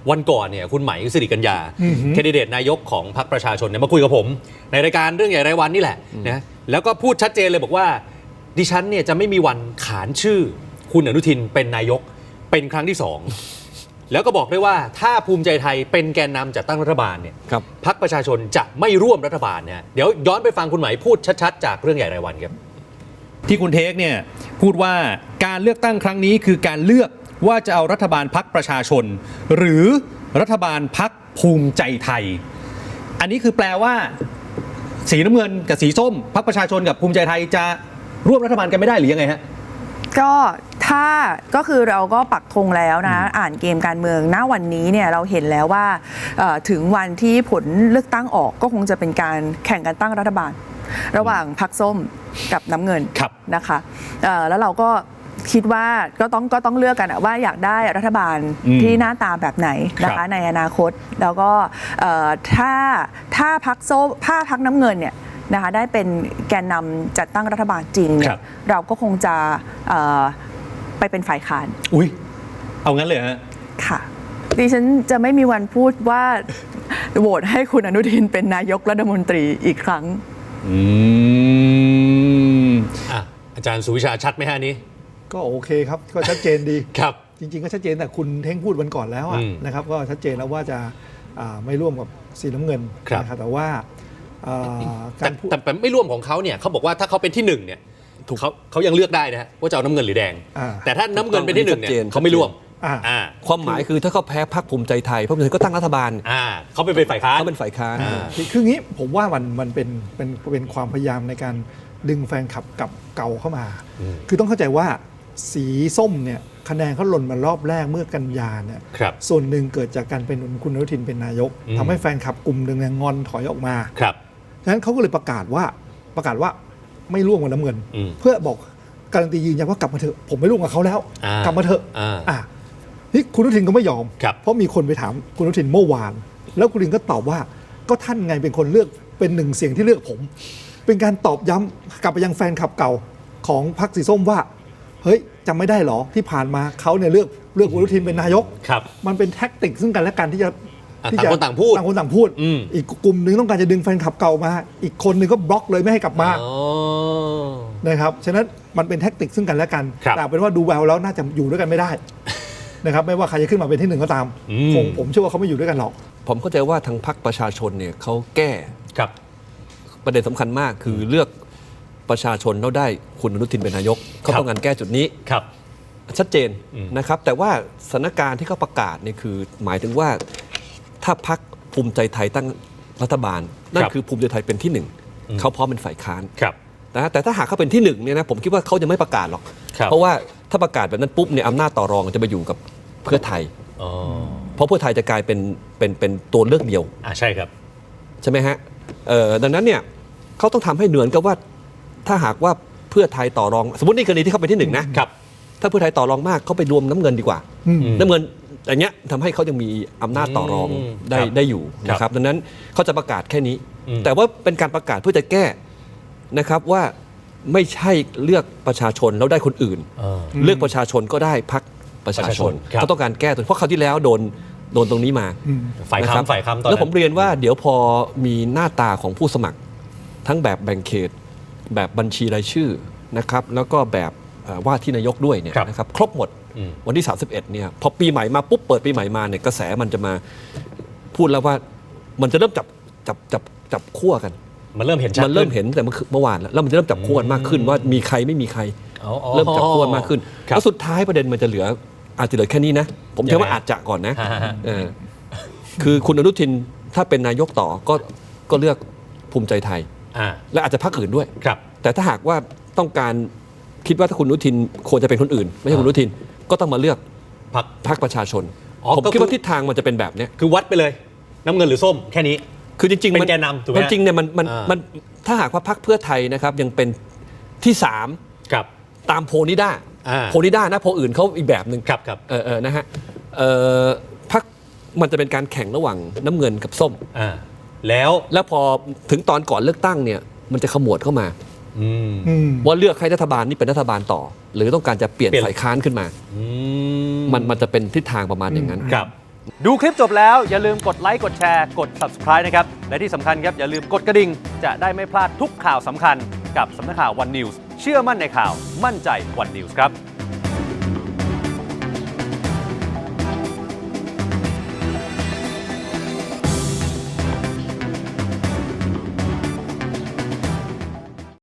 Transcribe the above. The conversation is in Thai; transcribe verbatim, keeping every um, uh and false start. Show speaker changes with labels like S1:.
S1: วันก่อนเนี่ยคุณไหมสิริกัญญาแคนดิเดตนายกของพรรคประชาชนเนี่ยมาคุยกับผมในรายการเรื่องใหญ่รายวันนี่แหละนะแล้วก็พูดชัดเจนเลยบอกว่าดิฉันเนี่ยจะไม่มีวันขานชื่อคุณอนุทินเป็นนายกเป็นครั้งที่สองแล้วก็บอกด้วยว่าถ้าภูมิใจไทยเป็นแกนนำจัดตั้งรัฐบาลเนี่ยพรรคประชาชนจะไม่ร่วมรัฐบาลเนี่ยเดี๋ยวย้อนไปฟังคุณไหมพูดชัดๆจากเรื่องใหญ่รายวันครับ
S2: ที่คุณเทคเนี่ยพูดว่าการเลือกตั้งครั้งนี้คือการเลือกว่าจะเอารัฐบาลพรรคประชาชนหรือรัฐบาลพรรคภูมิใจไทยอันนี้คือแปลว่าสีน้ำเงินกับสีส้มพรรคประชาชนกับภูมิใจไทยจะร่วมรัฐบาลกันไม่ได้หรือยังไงฮะ
S3: ก็ถ้าก็คือเราก็ปักธงแล้วนะอ่านเกมการเมืองณวันนี้เนี่ยเราเห็นแล้วว่าถึงวันที่ผลเลือกตั้งออกก็คงจะเป็นการแข่งกันตั้งรัฐบาลระหว่างพรรคส้มกับน้ำเงินนะคะแล้วเราก็คิดว่าก็ต้องก็ต้องเลือกกันว่าอยากได้รัฐบาลที่หน้าตาแบบไหนนะคะในอนาคตแล้วก็ถ้าถ้าพรรคส้มถ้าพรรคน้ำเงินเนี่ยนะคะได้เป็นแกนนำจัดตั้งรัฐบาลจริงเนี่ยเราก็คงจะไปเป็นฝ่ายค้าน
S2: อุ้ยเอางั้นเลยฮะ
S3: ค่ะดิฉันจะไม่มีวันพูดว่าโหวตให้คุณอนุทินเป็นนายกรัฐมนตรีอีกครั้ง
S2: อืม
S1: อ่ะอาจารย์สุวิชาชัดไหมฮะนี้
S4: ก็โอเคครับก็ชัดเจนดี
S1: ครับ
S4: จริงๆก็ชัดเจนแต่คุณเท่งพูดวันก่อนแล้วนะครับก็ชัดเจนแล้วว่าจะไม่ร่วมกับสีน้ำเงินนะครับแต่ว่า
S1: การแต่ไม่ร่วมของเขาเนี่ยเขาบอกว่าถ้าเขาเป็นที่หนึ่งเนี่ยถูกเขาเขายังเลือกได้นะว่าจะเอาน้ำเงินหรือแดงแต่ถ้าน้ำเงินเป็นที่หนึ่งเนี่ยเขาไม่ร่วม
S2: ความหมายคือถ้าเขาแพ้พรรคภูมิใจไทยพรรคภูมิใจไทยก็ตั้งรัฐบาล
S1: เขาเป็นฝ่ายค้าน
S2: เขาเป็นฝ่ายค้าน
S4: คืองี้ผมว่ามันมันเป็นเป็นเป็นความพยายามในการดึงแฟนคลับกับเก่าเข้ามาคือต้องเข้าใจว่าสีส้มเนี่ยคะแนนเขาหล่นมารอบแรกเมื่อกันยาเนี่ยส่วนหนึ่งเกิดจากการเป็นคุณอนุทินเป็นนายกทำให้แฟนคลับกลุ่มหนึ่งงอนถอยออกมาฉะนั้นเขาก็เลยประกาศว่าประกาศว่าไม่ร่วมกับน้ำเงินเพื่อบอกการันตียืนยันว่ากลับมาเถอะผมไม่ร่วมกับเขาแล้วกลับมาเถอะอ่านี่คุณอนุทินก็ไม่ยอมเพราะมีคนไปถามคุณอนุทินเมื่อวานแล้วคุณอนุทินก็ตอบว่าก็ท่านไงเป็นคนเลือกเป็นหนึ่งเสียงที่เลือกผมเป็นการตอบย้ำกลับไปยังแฟนคลับเก่าของพรรคสีส้มว่าเฮ้ยจำไม่ได้หรอที่ผ่านมาเขาเนี่ยเลือกเลือกคุณอนุทินเป็นนายกมันเป็นแท็กติกซึ่งกันและกันที่จะ
S1: ต่างคนต่างพูด
S4: ต่างคนต่างพูดอีกกลุ่มหนึ่งต้องการจะดึงแฟนคลับเก่ามาอีกคนหนึ่งก็บล็อกเลยไม่ให้กลับมานะครับฉะนั้นมันเป็นแท็กติกซึ่งกันและกันแต่เป็นว่าดูแววแล้วน่าจะอยู่ด้วยกันไม่ได้นะครับไม่ว่าใครจะขึ้นมาเป็นที่หนึ่งก็ตามผมผมเชื่อว่าเขาไม่อยู่ด้วยกันหรอก
S2: ผมเข้าใจว่าทางพรรคประชาชนเนี่ยเขาแก้ประเด็นสำคัญมากคือเลือกประชาชนแล้วได้คุณอนุทินเป็นนายกเขาต้องการแก้จุดนี้ชัดเจนนะครับแต่ว่าสถานการณ์ที่เขาประกาศเนี่ยคือหมายถึงว่าถ้าพรรคภูมิใจไทยตั้งรัฐบาลนั่นคือภูมิใจไทยเป็นที่หนึ่งเขาพร้อมเป็นฝ่ายค้านนะแต่ถ้าหากเขาเป็นที่หนึ่งเนี่ยนะผมคิดว่าเขายังไม่ประกาศหรอกเพราะว่าถ้าประกาศแบบนั้นปุ๊บเนี่ยอำนาจต่อรองจะไปอยู่กับเพื่อไทยเพราะเพื่อไทยจะกลายเป็นเป็นเป็นตัวเลือกเดียว
S1: อ่าใช่ครับ
S2: ใช่ไหมฮะดังนั้นเนี่ยเขาต้องทำให้เหมือนกับว่าถ้าหากว่าเพื่อไทยต่อรองสมมตินี่กรณีที่เขาเป็นที่หนึ่งนะครับถ้าเพื่อไทยต่อรองมากเขาไปรวมน้ำเงินดีกว่าน้ำเงินอย่างเงี้ยทำให้เขายังมีอำนาจต่อรองได้ได้อยู่นะครับดังนั้นเขาจะประกาศแค่นี้แต่ว่าเป็นการประกาศเพื่อจะแก้นะครับว่าไม่ใช่เลือกประชาชนแล้วได้คนอื่นเลือกประชาชนก็ได้พรรคประชาชนเขาต้องการแก้ตัวเพราะคราวที่แล้วโดนโดนตรงนี้มา
S1: ฝ่ายค้านฝ่ายค้านตอนนั้น
S2: แล้วผมเรียนว่าเดี๋ยวพอมีหน้าตาของผู้สมัครทั้งแบบแบ่งเขตแบบบัญชีรายชื่อนะครับแล้วก็แบบว่าที่นายกด้วยเนี่ยนะครับครบหมดวันที่สามสิบเอ็ดเนี่ยพอปีใหม่มาปุ๊บเปิดปีใหม่มาเนี่ยกระแสมันจะมาพูดแล้วว่ามันจะเริ่มจับจับจับจับขั้วกัน
S1: มันเริ่มเห็นชัด
S2: มันเริ่มเห็นแต่เมื่อวานแล้วแล้วมันจะเริ่มจับขั้วกันมากขึ้นว่ามีใครไม่มีใครเริ่มจับขั้วมากขึ้นแล้วสุดท้ายประเด็นมันจะเหลืออาจจะเหลือแค่นี้นะผมเชื่อว่าอาจจะก่อนนะคือคุณอนุทินถ้าเป็นนายกต่อก็ก็เลือกภูมิใจไทยและอาจจะพรรคอื่นด้วยแต่ถ้าหากว่าต้องการคิดว่าถ้าคุณอนุทินควรจะเป็นคนอื่นไม่ใช่คุณอนุทินก็ต้องมาเลือกพรรคพรรคประชาชนผมคิดว่าทิศทางมันจะเป็นแบบนี้
S1: คือวัดไปเลยน้ำเงินหรือส้มแค่นี้
S2: คือจริงๆ
S1: เป็นแกนนำถูกไหม
S2: จริงเนี่ยมันมันมันถ้าหากว่าพรรคเพื่อไทยนะครับยังเป็นที่สามตามโพนิด้าโพนิด้านะโพอื่นเขาอีกแบบหนึ่ง
S1: ครับครับ
S2: เออเออนะฮะพรรคมันจะเป็นการแข่งระหว่างน้ำเงินกับส้ม
S1: แล้ว
S2: แล้วพอถึงตอนก่อนเลือกตั้งเนี่ยมันจะขมวดเข้ามาว่าเลือกให้รัฐบาลนี่เป็นรัฐบาลต่อหรือต้องการจะเปลี่ยนฝ่ายค้านขึ้นมามันมันจะเป็นทิศทางประมาณอย่างนั้น
S1: ครับ
S5: ดูคลิปจบแล้วอย่าลืมกดไลค์กดแชร์กด ซับสไครบ์ นะครับและที่สำคัญครับอย่าลืมกดกระดิ่งจะได้ไม่พลาดทุกข่าวสำคัญกับสำนักข่าว วัน นิวส์ เชื่อมั่นในข่าวมั่นใจ วัน นิวส์ ครับ